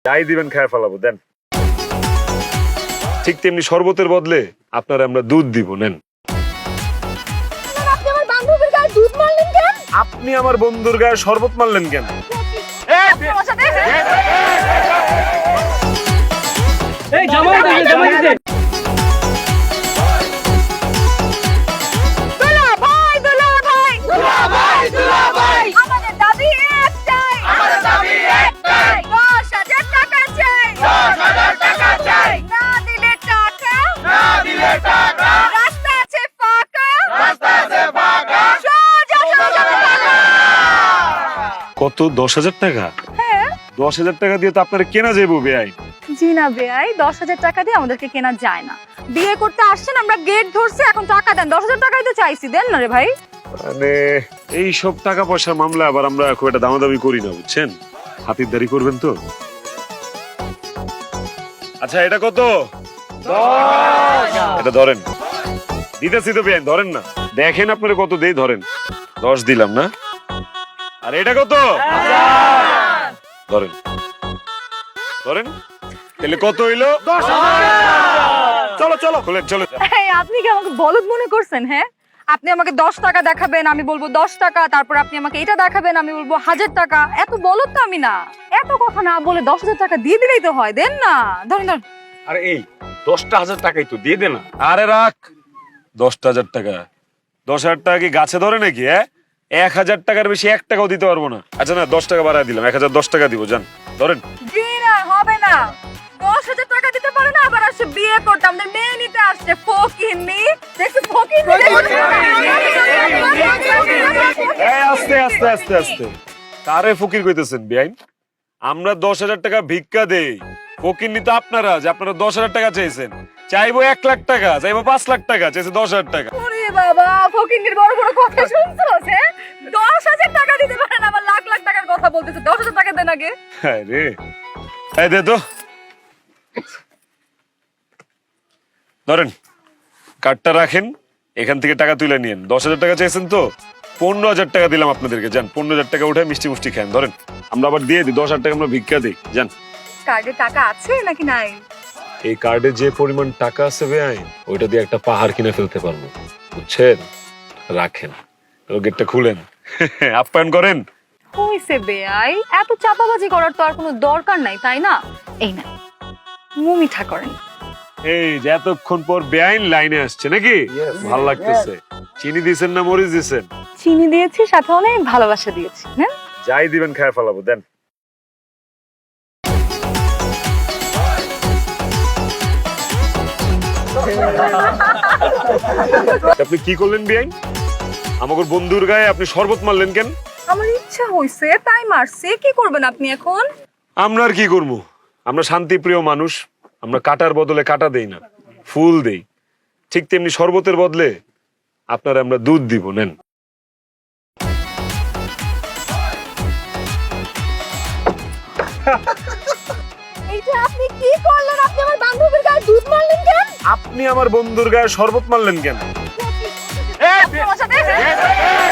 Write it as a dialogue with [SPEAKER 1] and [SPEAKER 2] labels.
[SPEAKER 1] যাই দিবেন খায় ফেলাবো, দেন। ঠিক তেমনি শরবতের বদলে আপনারা আমরা দুধ দিব, নেন।
[SPEAKER 2] আপনি আমার বান্ধবীর গায়ে দুধ মারলেন কেন?
[SPEAKER 1] আপনি আমার বন্ধুর গায়ে শরবত মারলেন কেন?
[SPEAKER 2] তোমার সাথে
[SPEAKER 3] এই জামাই দিতে
[SPEAKER 2] দুলা ভাই আমাদের দাবি একটাই 10,000 টাকা চাই না দিলে টাকা রাস্তা আছে ফাঁকা সোজা টাকা।
[SPEAKER 1] কত? 10,000 টাকা?
[SPEAKER 2] হ্যাঁ
[SPEAKER 1] 10,000 টাকা দিয়ে তো আপনারা কেনা যাবো বেআই।
[SPEAKER 2] জি না বেআই, 10,000 টাকা দিয়ে আমাদেরকে কেনা যায় না। বিয়ে করতে আসছেন, আমরা গেট ধরছি, এখন টাকা দেন। 10,000 টাকাই তো চাইছি, দেন না রে ভাই।
[SPEAKER 1] মানে এই সব টাকা পয়সার মামলা আবার আমরা খুব একটা দামাদামি করি না, বুঝছেন? হাতিরদারি করবেন তো। আচ্ছা এটা কত? এটা ধরেন, দিতেছি তো বেআইন, ধরেন না। দেখেন আপনারা কত দেই, ধরেন। 10 দিলাম না? আর এটা কত? ধরেন ধরেন, তাহলে কত হইলো? 10,000। চলো চলো খুলে চলে যাও।
[SPEAKER 2] এই আপনি কি আমাকে বলদ মনে করছেন? হ্যাঁ, আপনি আমাকে 10 টাকা দেখাবেন, আমি বলবো 10 টাকা, তারপর আপনি আমাকে এটা দেখাবেন, আমি বলবো 1000 টাকা। এত বলদ তো আমি না। এত কথা না বলে 10,000 টাকা দিয়ে দিলেই তো হয়, দেন না। ধরেন ধরেন।
[SPEAKER 3] আরে এই 10,000 টাকাই তো দিয়ে দে না।
[SPEAKER 1] আরে রাখ, 10,000 টাকা। 10,000 টাকা কি গাছে ধরে নাকি? 1,000 টাকার বেশি 1 টাকাও দিতে পারবো না। আচ্ছা না, 10 টাকা বাড়ায় দিলাম, 1,010 টাকা দিব, যান ধরেন।
[SPEAKER 2] জি না, হবে না। 10,000 টাকা দিতে পারে না, আবার আসছে বিয়ে করতে, আমাদের মেয়ে নিতে আসছে। ফকিন্নি দেখছি, ফকিন্নি
[SPEAKER 1] আস্তে আস্তে আস্তে আস্তে, কারে ফকির কইতেছেন বেআইন? আমরা 10,000 টাকা ভিক্ষা দেই, ফকির নি তো আপনারা, যে আপনারা 10,000 টাকা চাইছেন। চাইবো 1 লাখ টাকা, চাইবো 5 লাখ টাকা, চাইছে 10,000 টাকা।
[SPEAKER 2] ওরে বাবা, ফকিন্নির বড় বড় কথা শুনছস? হ্যাঁ, 10,000 টাকা দিতে পারে না, আবার লাখ লাখ টাকার কথা বলতেছে। 10,000 টাকা দেন আগে।
[SPEAKER 1] হ্যাঁ রে, এই দে তো, ধরেন কার্ডটা রাখেন, এখান থেকে টাকা তুলে নিয়েন। 10,000 টাকা চাইছেন তো, 15,000 টাকা দিলাম আপনাদেরকে, যান 15,000 টাকা উঠে মিষ্টি মুষ্টি খান, ধরেন। আমরা আবার দিয়ে দিই 10,000 টাকা, আমরা ভিক্ষা দিই, যান।
[SPEAKER 2] কার্ডে টাকা আছে নাকি নাই?
[SPEAKER 1] এই কার্ডে যে পরিমাণ টাকা আছে বেআইন, ওইটা দিয়ে একটা পাহাড় কিনে ফেলতে পারবো, বুঝছেন? রাখেন, গেটটা খুলেন, আপ্যায়ন করেন।
[SPEAKER 2] হইছে বেআই, এত চাপাবাজি করার তো আর কোনো দরকার নাই, তাই না? এই না, মুমিঠা করেন।
[SPEAKER 1] এই যে এতক্ষণ পর বেআইন লাইনে আসছে নাকি? ভাল লাগতেছে। চিনি দিছেন না মরিচ দিছেন?
[SPEAKER 2] চিনি দিয়েছি, সাথে অনেক ভালোবাসা দিয়েছি। না
[SPEAKER 1] যাই দিবেন খায় ফেলাবো, দেন। আপনি কি করলেন বেআইন? আমাকে বন্ধুর গায়ে আপনি শরবত মারলেন কেন?
[SPEAKER 2] আমার ইচ্ছা হইছে তাই মারছে। কি করবেন আপনি এখন?
[SPEAKER 1] আমরা আর কি করবো? আমরা শান্তিপ্রিয় মানুষ, আমরা কাটার বদলে কাটা দেই না, ফুল দেই। ঠিক তেমনি শরবতের বদলে আপনারা আমরা দুধ দিব, নেন।
[SPEAKER 2] এইটা আপনি কি করলেন? আপনি আমার বান্ধবীর গায়ে দুধ মারলেন কেন?
[SPEAKER 1] আপনি আমার বন্ধুর গায়ে শরবত মারলেন কেন?
[SPEAKER 2] তোমার সাথে